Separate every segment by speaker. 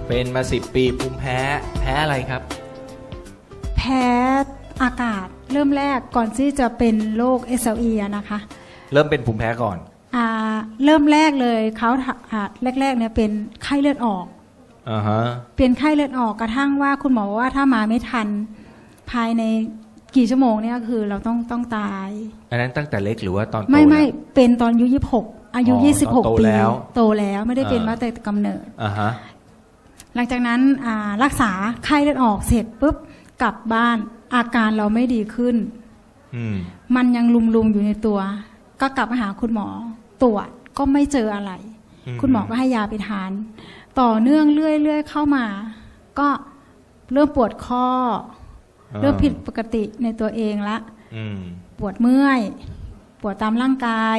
Speaker 1: เป็นมา10 ปีภูมิแพ้แพ้อะไรครับ
Speaker 2: แพ้อากาศเริ่มแรกก่อนที่จะเป็นโรค SLE อะนะคะ
Speaker 1: เริ่มเป็นภูมิแพ้ก่อน
Speaker 2: เริ่มแรกเลยเขาแรกๆเนี่ยเป็นไข้เลือดออกเป็นไข้เลือดออกกระทั่งว่าคุณหมอว่าถ้ามาไม่ทันภายในกี่ชั่วโมงเนี่ยคือเราต้องตาย
Speaker 1: อันนั้นตั้งแต่เล็กหรือว่าตอนโต
Speaker 2: ไม่เป็นตอนอายุ26อายุ26 ปีโตแล้วไม่ได้เป็นมาแต่กำเนิดหลังจากนั้นรักษาไข้เลือดออกเสร็จปุ๊บกลับบ้านอาการเราไม่ดีขึ้นมันยังลุมอยู่ในตัวก็กลับมาหาคุณหมอตรวจก็ไม่เจออะไรคุณหมอก็ให้ยาไปทานต่อเนื่องเรื่อยๆเข้ามาก็เริ่มปวดข้อเริ่มผิดปกติในตัวเองละปวดเมื่อยปวดตามร่างกาย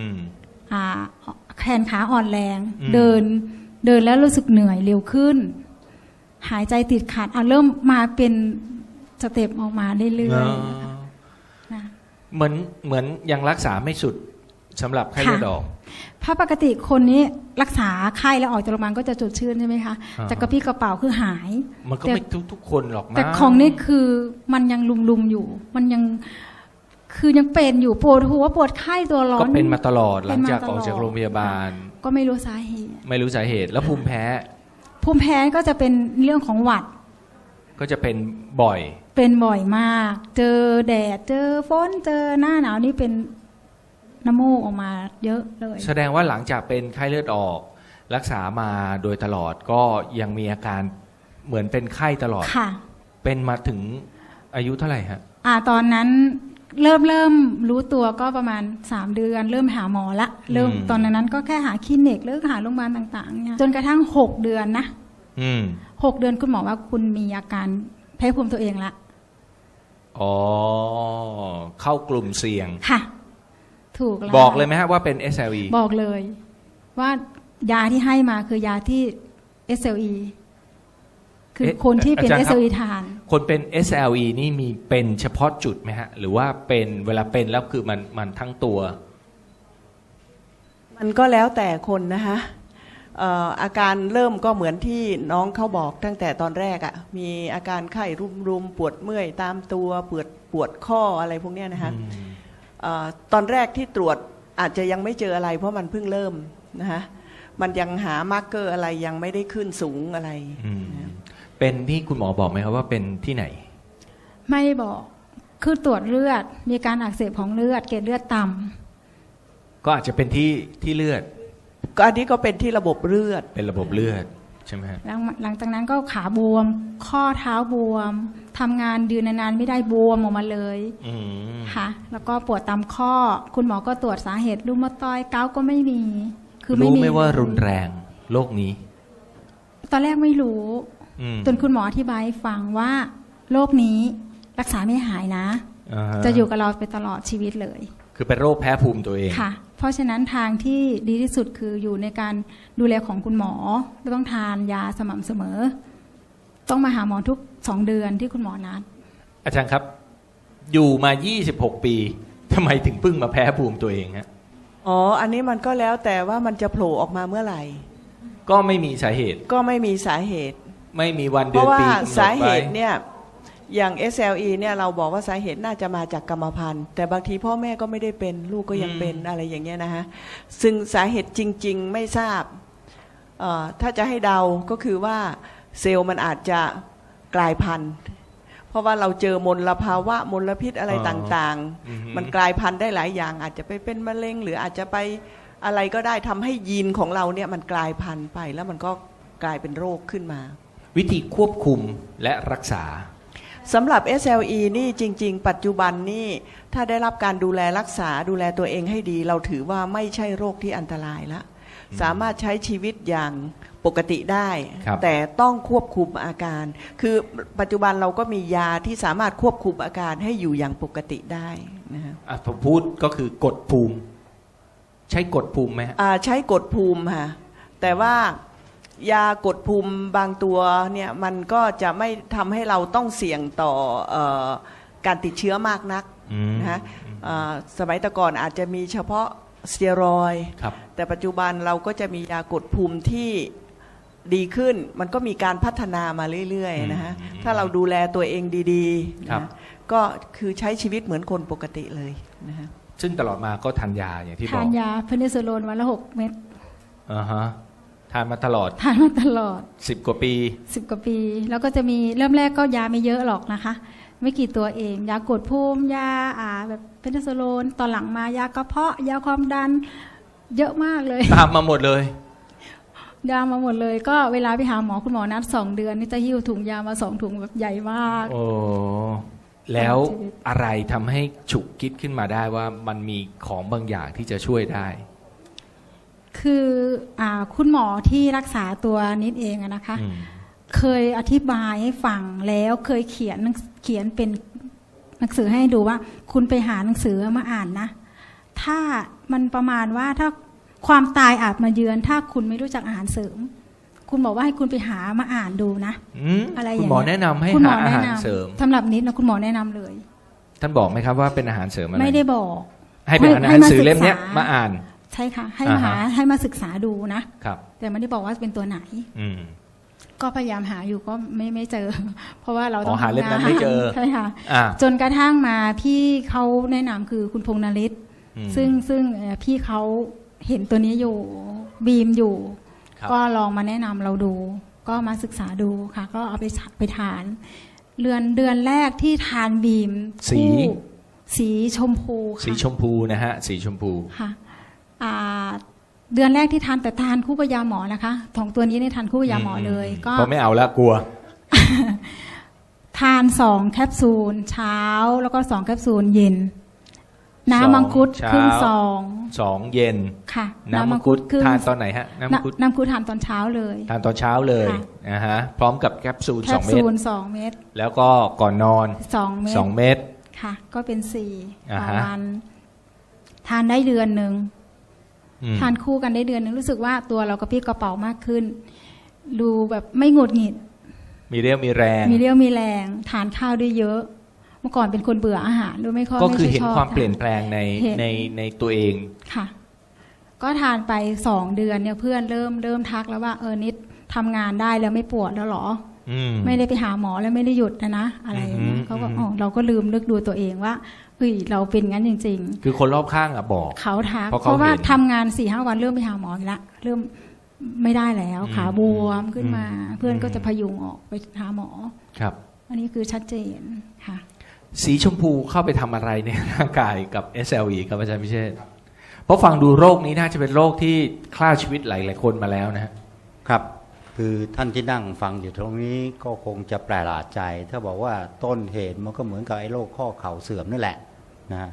Speaker 2: แขนขาอ่อนแรงเดินแล้วรู้สึกเหนื่อยเร็วขึ้นหายใจติดขัดเริ่มมาเป็นสเต็ปออกมาเรื่อย
Speaker 1: ๆเหมือนยังรักษาไม่สุดสำหรับไข้เลือดออก
Speaker 2: เพราะปกติคนนี้รักษาไข้แล้วออกจากโรงพยาบาลก็จะสดชื่นใช่ไหมคะจากกระปี้กระเป๋าคือหาย
Speaker 1: มันก็ไม่ทุกคนหรอกนะ
Speaker 2: แต่ของนี่คือมันยังลุมอยู่มันยังคือยังเป็นอยู่ปวดหัวปวดไข้ตัวร้อน
Speaker 1: ก็เป็นมาตลอดหลังจากออกจากโรงพยาบาล
Speaker 2: ก็ไม่รู้สาเหตุ
Speaker 1: แล้วภูมิแพ้
Speaker 2: ก็จะเป็นเรื่องของหวัด
Speaker 1: ก็จะเป็นบ่อย
Speaker 2: มากเจอแดดเจอฝนเจอหน้าหนาวนี่เป็นน้ำมูกออกมาเยอะเลย
Speaker 1: แสดงว่าหลังจากเป็นไข้เลือดออกรักษามาโดยตลอดก็ยังมีอาการเหมือนเป็นไข้ตลอด
Speaker 2: ค่ะ
Speaker 1: เป็นมาถึงอายุเท่าไหร่ฮะ
Speaker 2: ตอนนั้นเริ่มรู้ตัวก็ประมาณ3 เดือนเริ่มหาหมอละตอนนั้นก็แค่หาคลินิกหรือหาโรงพยาบาลต่างๆเนี่ยจนกระทั่ง6 เดือนนะ6 เดือนคุณหมอว่าคุณมีอาการแพ้ภูมิตัวเองละ
Speaker 1: เข้ากลุ่มเสี่ยง
Speaker 2: ค่ะถูกแล้ว
Speaker 1: บอกเลยไหมฮะว่าเป็น SLE
Speaker 2: บอกเลยว่ายาที่ให้มาคือยาที่ SLE คือคนที่เป็น SLE ทาน
Speaker 1: คนเป็น SLE นี่มีเป็นเฉพาะจุดไหมฮะหรือว่าเป็นเวลาเป็นแล้วคือมันทั้งตัว
Speaker 3: มันก็แล้วแต่คนนะคะอาการเริ่มก็เหมือนที่น้องเขาบอกตั้งแต่ตอนแรกมีอาการไข้รุมปวดเมื่อยตามตัวปวดข้ออะไรพวกนี้นะคะตอนแรกที่ตรวจอาจจะยังไม่เจออะไรเพราะมันเพิ่งเริ่มนะคะมันยังหามาร์กเกอร์อะไรยังไม่ได้ขึ้นสูงอะไร
Speaker 1: เป็นที่คุณหมอบอกไหมครับว่าเป็นที่ไหน
Speaker 2: ไม่บอกคือตรวจเลือดมีการอักเสบของเลือดเกล็ดเลือดต่
Speaker 1: ำก็อาจจะเป็นที่เลือด
Speaker 3: ก็อันนี้ก็เป็นที่ระบบเลือด
Speaker 1: เป็นระบบเลือดใช่ไหมฮะ
Speaker 2: หลังจากนั้นก็ขาบวมข้อเท้าบวมทำงานยืนนานๆไม่ได้บวมออกมาเลยค่ะแล้วก็ปวดตามข้อคุณหมอก็ตรวจสาเหตุรูมาตอยเกาก็ไม่มี
Speaker 1: คือไม่รู้ไม่ว่ารุนแรงโรคนี้
Speaker 2: ตอนแรกไม่รู้จนคุณหมออธิบายฟังว่าโรคนี้รักษาไม่หายนะจะอยู่กับเราไปตลอดชีวิตเลย
Speaker 1: คือเป็นโรคแพ้ภูมิตัวเอง
Speaker 2: ค่ะเพราะฉะนั้นทางที่ดีที่สุดคืออยู่ในการดูแลของคุณหมอต้องทานยาสม่ำเสมอต้องมาหาหมอทุก2 เดือนที่คุณหมอนัด
Speaker 1: อาจารย์ครับอยู่มา26 ปีทำไมถึงเพิ่งมาแพ้ภูมิตัวเองฮะ
Speaker 3: อันนี้มันก็แล้วแต่ว่ามันจะโผล่ออกมาเมื่อไหร่
Speaker 1: ก็ไม่มีสาเหตุ
Speaker 3: ไม่มีวันเดือนปีเพราะว่าสาเหตุเนี่ยอย่าง SLE เนี่ยเราบอกว่าสาเหตุน่าจะมาจากกรรมพันธุ์แต่บางทีพ่อแม่ก็ไม่ได้เป็นลูกก็ยังเป็นอะไรอย่างเงี้ยนะฮะซึ่งสาเหตุจริงๆไม่ทราบถ้าจะให้เดาก็คือว่าเซลล์มันอาจจะกลายพันธุ์เพราะว่าเราเจอมลภาวะมลพิษอะไรต่างๆมันกลายพันธุ์ได้หลายอย่างอาจจะไปเป็นมะเร็งหรืออาจจะไปอะไรก็ได้ทำให้ยีนของเราเนี่ยมันกลายพันธุ์ไปแล้วมันก็กลายเป็นโรคขึ้นมา
Speaker 1: วิธีควบคุมและรักษา
Speaker 3: สำหรับ SLE นี่จริงๆปัจจุบันนี่ถ้าได้รับการดูแลรักษาดูแลตัวเองให้ดีเราถือว่าไม่ใช่โรคที่อันตรายละสามารถใช้ชีวิตอย่างปกติได้แต่ต้องควบคุมอาการคือปัจจุบันเราก็มียาที่สามารถควบคุมอาการให้อยู่อย่างปกติได้นะฮะ
Speaker 1: ผมพูดก็คือกดภูมิใช้กดภูมิไหม
Speaker 3: ใช้กดภูมิค่ะแต่ว่ายากดภูมิบางตัวเนี่ยมันก็จะไม่ทำให้เราต้องเสี่ยงต่อการติดเชื้อมากนักนะฮะสมัยแต่ก่อนอาจจะมีเฉพาะสเตียรอยด์แต่ปัจจุบันเราก็จะมียากดภูมิที่ดีขึ้นมันก็มีการพัฒนามาเรื่อยๆนะฮะถ้าเราดูแลตัวเองดีๆนะก็คือใช้ชีวิตเหมือนคนปกติเลยนะฮะ
Speaker 1: ซึ่งตลอดมาก็ทานยาอย่างที่บอก
Speaker 2: ทานยาเพนิซิลลินวันละ6 เม็ด
Speaker 1: ทานมาตลอด10 กว่าปี
Speaker 2: 10 กว่าปีแล้วก็จะมีเริ่มแรกก็ยาไม่เยอะหรอกนะคะไม่กี่ตัวเองยากดภูมิยาแบบเพนิซิลลินตอนหลังมายากระเพาะยาความดันเยอะมากเลย
Speaker 1: ตามมาหมดเลย
Speaker 2: ยามาหมดเลยก็เวลาไปหาหมอคุณหมอนัด2 เดือนนี่จะหิ้วถุงยามา2 ถุงแบบใหญ่มาก
Speaker 1: โอ้แล้วอะไรทำให้ฉุกคิดขึ้นมาได้ว่ามันมีของบางอย่างที่จะช่วยได้
Speaker 2: คือคุณหมอที่รักษาตัวนิดเองนะคะเคยอธิบายให้ฟังแล้วเคยเขียนเป็นหนังสือให้ดูว่าคุณไปหาหนังสือมาอ่านนะถ้ามันประมาณว่าถ้าความตายอาจมาเยือนถ้าคุณไม่รู้จักอาหารเสริมคุณบอกว่าให้คุณไปหามาอ่านดูนะอะไรอย่างเงี้ย
Speaker 1: คุณหมอแนะนำให้หาอาหารเสริม
Speaker 2: สำหรับนิดนะคุณหมอแนะนำเลย
Speaker 1: ท่านบอกไหมครับว่าเป็นอาหารเสริมอะไร
Speaker 2: ไม่ได้บอก
Speaker 1: ให้เป็นหนังสือเล่มนี้มาอ่าน
Speaker 2: ใช่ค่ะให้มาศึกษาดูนะครับแต่ไม่ได้บอกว่าเป็นตัวไหนก็พยายามหาอยู่ก็ไม่เจอเพราะว่าเราต้อง
Speaker 1: หาเล่มนั้นไม่เจอ
Speaker 2: ใช่ค่ะจนกระทั่งมาพี่เขาแนะนำคือคุณพงษ์นฤทธิ์ซึ่งพี่เขาเห็นตัวนี้อยู่บีมอยู่ก็ลองมาแนะนำเราดูก็มาศึกษาดูค่ะก็เอาไปทานเดือนแรกที่ทานบีมสีชมพู
Speaker 1: สีชมพูนะฮะสีชมพู
Speaker 2: ค่ะเดือนแรกที่ทานแต่ทานคู่กับยาหมอนะคะของตัวนี้เนี่ยทานคู่กับยาหมอเลย
Speaker 1: ก็ไม่เอาละกลัว
Speaker 2: ทาน2 แคปซูลเช้าแล้วก็2 แคปซูลเย็นน้ำมังคุดครึ่งซอง
Speaker 1: 2 เย็น
Speaker 2: ค่ะ
Speaker 1: น้ำมังคุดทานตอนไหนฮะน้ำมัง
Speaker 2: คุดทานตอนเช้าเลย
Speaker 1: ทานตอนเช้าเลยพร้อมกับแคปซูล2 เม็ด
Speaker 2: 2 เม็ด
Speaker 1: แล้วก็ก่อนนอน2 เม็ด
Speaker 2: ค่ะก็เป็น4ต่อวันทานได้เดือนนึงทานคู่กันได้เดือนนึงรู้สึกว่าตัวเรากระปรี้กระเป๋ามากขึ้นดูแบบไม่หงุดหงิด
Speaker 1: มีเรี่ยวมีแ
Speaker 2: รงทานข้าวได้เยอะเมื่อก่อนเป็นคนเบื่ออาหารด้วยไม่ค่อย
Speaker 1: ก็คือเห็นความเปลี่ยนแปลงในตัวเอง
Speaker 2: ค่ะก็ทานไป2 เดือนเนี่ยเพื่อนเริ่มทักแล้วว่านิดทำงานได้แล้วไม่ปวดแล้วหรอไม่ได้ไปหาหมอแล้วไม่ได้หยุดนะอะไรอย่างเงี้ยเขาก็เราก็ลืมนึกดูตัวเองว่าเราเป็นงั้นจริง
Speaker 1: ๆคือคนรอบข้างบอก
Speaker 2: เขาทักเพราะว่าทำงาน 4-5 วันเริ่มไปหาหมออีกละเริ่มไม่ได้แล้วขาบวมขึ้นมาเพื่อนก็จะพยุงออกไปหาหมอ
Speaker 1: ครับ
Speaker 2: อันนี้คือชัดเจนค่ะ
Speaker 1: สีชมพูเข้าไปทำอะไรในร่างกายกับ SLE ครับอาจารย์พิเชษฐ์เพราะฟังดูโรคนี้น่าจะเป็นโรคที่ฆ่าชีวิตหลายๆคนมาแล้ว
Speaker 4: นะครับคือท่านที่นั่งฟังอยู่ตรงนี้ก็คงจะแปลกใจถ้าบอกว่าต้นเหตุมันก็เหมือนกับไอ้โรคข้อเข่าเสื่อมนั่นแหละนะ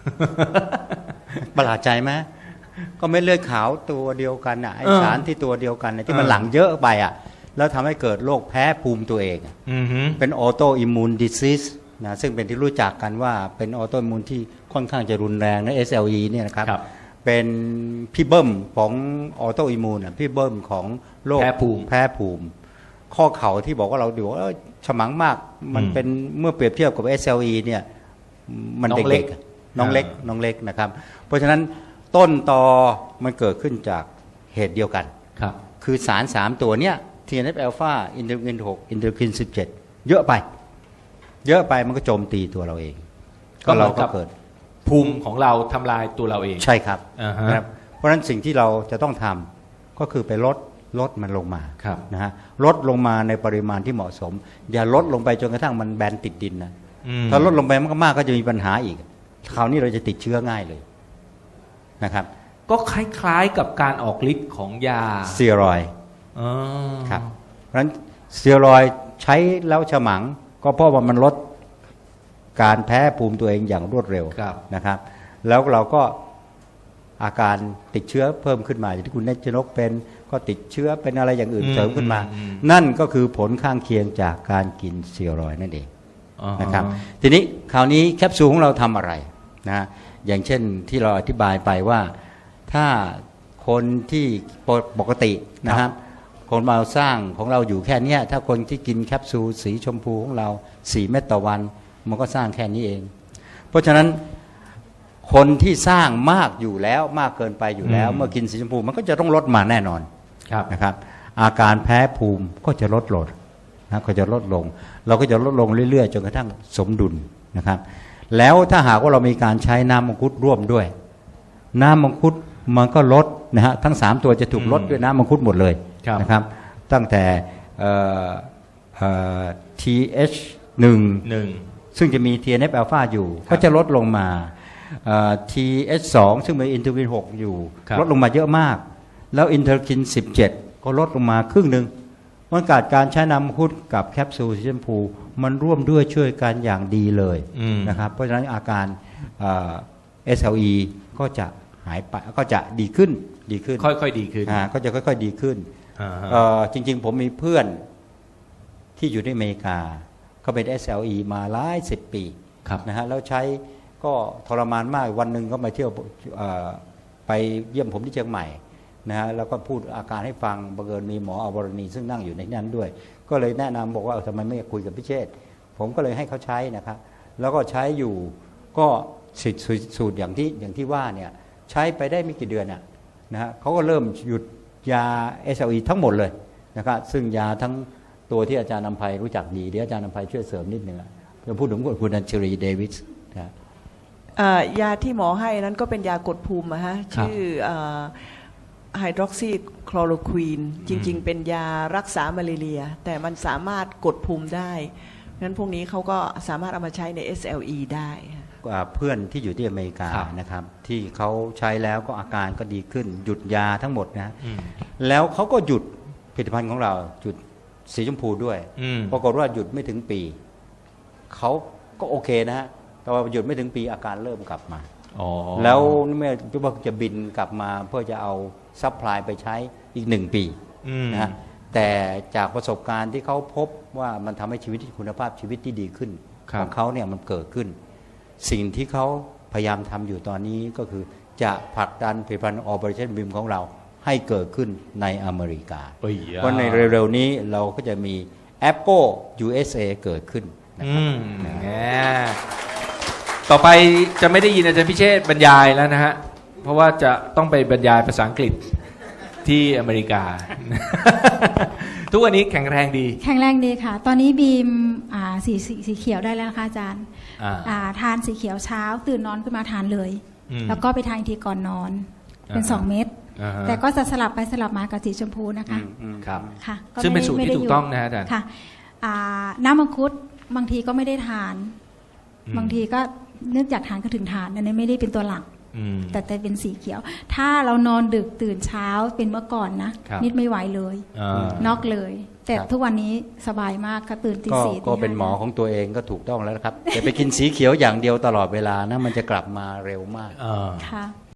Speaker 4: ประหลาดใจไหมก็ไม่เลือดขาวตัวเดียวกันไอ้สารที่ตัวเดียวกันที่มันหลั่งเยอะไปแล้วทำให้เกิดโรคแพ้ภูมิตัวเองเป็นออโตอิมมูนดิซิสนะซึ่งเป็นที่รู้จักกันว่าเป็นออโตอิมมูนที่ค่อนข้างจะรุนแรงนะ SLE เนี่ยนะครับเป็นพี่เบิ้มของออโตอิมมูนพี่เบิ้มของโรคแพ้ภูมิข้อเข่าที่บอกว่าเราดูว่าฉมังมากมันเป็นเมื่อเปรียบเทียบกับ SLE เนี่ยมันเด็กๆน้องเล็กนะครับเพราะฉะนั้นต้นตอมันเกิดขึ้นจากเหตุเดียวกันคือสาร3ตัวเนี้ย TNF อลฟาอินเทอร์คิน6อินเทอร์คิน17เยอะไปมันก็โจมตีตัวเราเอง
Speaker 1: ก็เราก็เกิดภูมิของเราทำลายตัวเราเอง
Speaker 4: ใช่ครับเพราะฉะนั้นสิ่งที่เราจะต้องทำก็คือไปลดมันลงมานะฮะลดลงมาในปริมาณที่เหมาะสมอย่าลดลงไปจนกระทั่งมันแบนติดดินนะถ้าลดลงไปมากๆก็จะมีปัญหาอีกคราวนี้เราจะติดเชื้อง่ายเลยนะครับ
Speaker 1: ก็คล้ายๆกับการออกฤทธิ์ของยา
Speaker 4: สเตียรอยด์ครับเพราะฉะนั้นสเตียรอยด์ใช้แล้วฉมังก็เพราะว่ามันลดการแพ้ภูมิตัวเองอย่างรวดเร็วนะครับแล้วเราก็อาการติดเชื้อเพิ่มขึ้นมาอย่างที่คุณเนชนกเป็นก็ติดเชื้อเป็นอะไรอย่างอื่นเสริมขึ้นมานั่นก็คือผลข้างเคียงจากการกินสเตียรอยด์นั่นเองนะครับทีนี้คราวนี้แคปซูลของเราทำอะไรนะอย่างเช่นที่เราอธิบายไปว่าถ้าคนที่ปกตินะครับคนเราสร้างของเราอยู่แค่นี้ถ้าคนที่กินแคปซูลสีชมพูของเรา4 เม็ดต่อวันมันก็สร้างแค่นี้เองเพราะฉะนั้นคนที่สร้างมากอยู่แล้วมากเกินไปอยู่แล้วเมื่อกินสีชมพูมันก็จะต้องลดมาแน่นอนนะครับอาการแพ้ภูมิก็จะลดลงนะก็จะลดลงเราก็จะลดลงเรื่อยๆจนกระทั่งสมดุลนะครับแล้วถ้าหากว่าเรามีการใช้น้ำมังคุดร่วมด้วยน้ำมังคุดมันก็ลดนะฮะทั้ง3ตัวจะถูกลดด้วยน้ำมังคุดหมดเลยนะครับตั้งแต่TH1 ซึ่งจะมี TNF อ l ลฟาอยู่ก็จะลดลงมาTH2 ซึ่งมีอินเทอร์คิน6อยู่ลดลงมาเยอะมากแล้วอินเทอร์คิน17ก็ลดลงมาครึ่งหนึ่งมันเกิดการใช้น้ำมังคุดกับแคปซูลสีชมพูมันร่วมด้วยช่วยกันอย่างดีเลยนะครับเพราะฉะนั้นอาการSLE ก็จะหายไปก็จะดีขึ้น
Speaker 1: ค่อยๆดีขึ้น
Speaker 4: ก็จะค่อยๆดีขึ้นจริงๆผมมีเพื่อนที่อยู่ในอเมริกาเขาเป็น SLE มาหลาย10 ปีนะฮะแล้วใช้ก็ทรมานมากวันหนึ่งก็มาเที่ยวไปเยี่ยมผมที่เชียงใหม่นะฮะแล้วก็พูดอาการให้ฟังบังเอิญมีหมออวรณีซึ่งนั่งอยู่ในนั้นด้วยก็เลยแนะนำบอกว่าทำไมไม่คุยกับพี่เชษฐ์ผมก็เลยให้เขาใช้นะครับแล้วก็ใช้อยู่ก็สูตรอย่างที่ว่าเนี่ยใช้ไปได้ไม่กี่เดือนนะฮะเขาก็เริ่มหยุดยา SLE ทั้งหมดเลยนะครับซึ่งยาทั้งตัวที่อาจารย์นำไพรู้จักดีเดี๋ยวอาจารย์นำไพช่วยเสริมนิดนึงจะพูดถึงคุณอัญชลีเดวิสนะ
Speaker 3: ยาที่หมอให้นั้นก็เป็นยากดภูมิชื่อไฮดรอกซีคลอโรควีนจริงๆเป็นยารักษามาลาเรียแต่มันสามารถกดภูมิได้งั้นพวกนี้เขาก็สามารถเอามาใช้ใน SLE ได้
Speaker 4: เพื่อนที่อยู่ที่อเมริกานะครับที่เขาใช้แล้วก็อาการก็ดีขึ้นหยุดยาทั้งหมดนะแล้วเขาก็หยุดผลิตภัณฑ์ของเราหยุดสีชมพูด้วยปรากฏว่าหยุดไม่ถึงปีเขาก็โอเคนะฮะแต่ว่าหยุดไม่ถึงปีอาการเริ่มกลับมาแล้วเมื่อจะบินกลับมาเพื่อจะเอาซัพพลายไปใช้อีก1 ปีนะฮะแต่จากประสบการณ์ที่เขาพบว่ามันทำให้ชีวิตคุณภาพชีวิตที่ดีขึ้นของเขาเนี่ยมันเกิดขึ้นสิ่งที่เขาพยายามทำอยู่ตอนนี้ก็คือจะผลักดันผลิตภัณฑ์ Operation BIM ของเราให้เกิดขึ้นในอเมริกาเพราะในเร็วๆนี้เราก็จะมี Apple USA เกิดขึ้น
Speaker 1: ต่อไปจะไม่ได้ยินอาจารย์พิเชษฐ์บรรยายแล้วนะฮะเพราะว่าจะต้องไปบรรยายภาษาอังกฤษที่อเมริกา ทุกวันนี้แข็งแรงดี
Speaker 2: ค่ะตอนนี้บีมสีเขียวได้แล้วนะคะอาจารย์ทานสีเขียวเช้าตื่นนอนขึ้นมาทานเลยแล้วก็ไปทานทีก่อนนอนเป็น2 เม็ดแต่ก็จะสลับไปสลับมากับสีชมพูนะคะ
Speaker 1: ครับค่ะซึ่งเป็นสูตรที่ถูกต้องนะอาจารย์
Speaker 2: ค่ะน้ำมังคุดบางทีก็ไม่ได้ทานบางทีก็นึกอยากทานก็ถึงทานอันนี้ไม่ได้เป็นตัวหลักแต่เป็นสีเขียวถ้าเรานอนดึกตื่นเช้าเป็นเมื่อก่อนนะนิดไม่ไหวเลยน็อกเลยแต่ทุกวันนี้สบายมากค่ะตื่นตี 4
Speaker 4: ก็เป็นหมอของตัวเองก็ถูกต้องแล้วครับอย่าไปกินสีเขียวอย่างเดียวตลอดเวลานะมันจะกลับมาเร็วมาก
Speaker 2: ค่ะ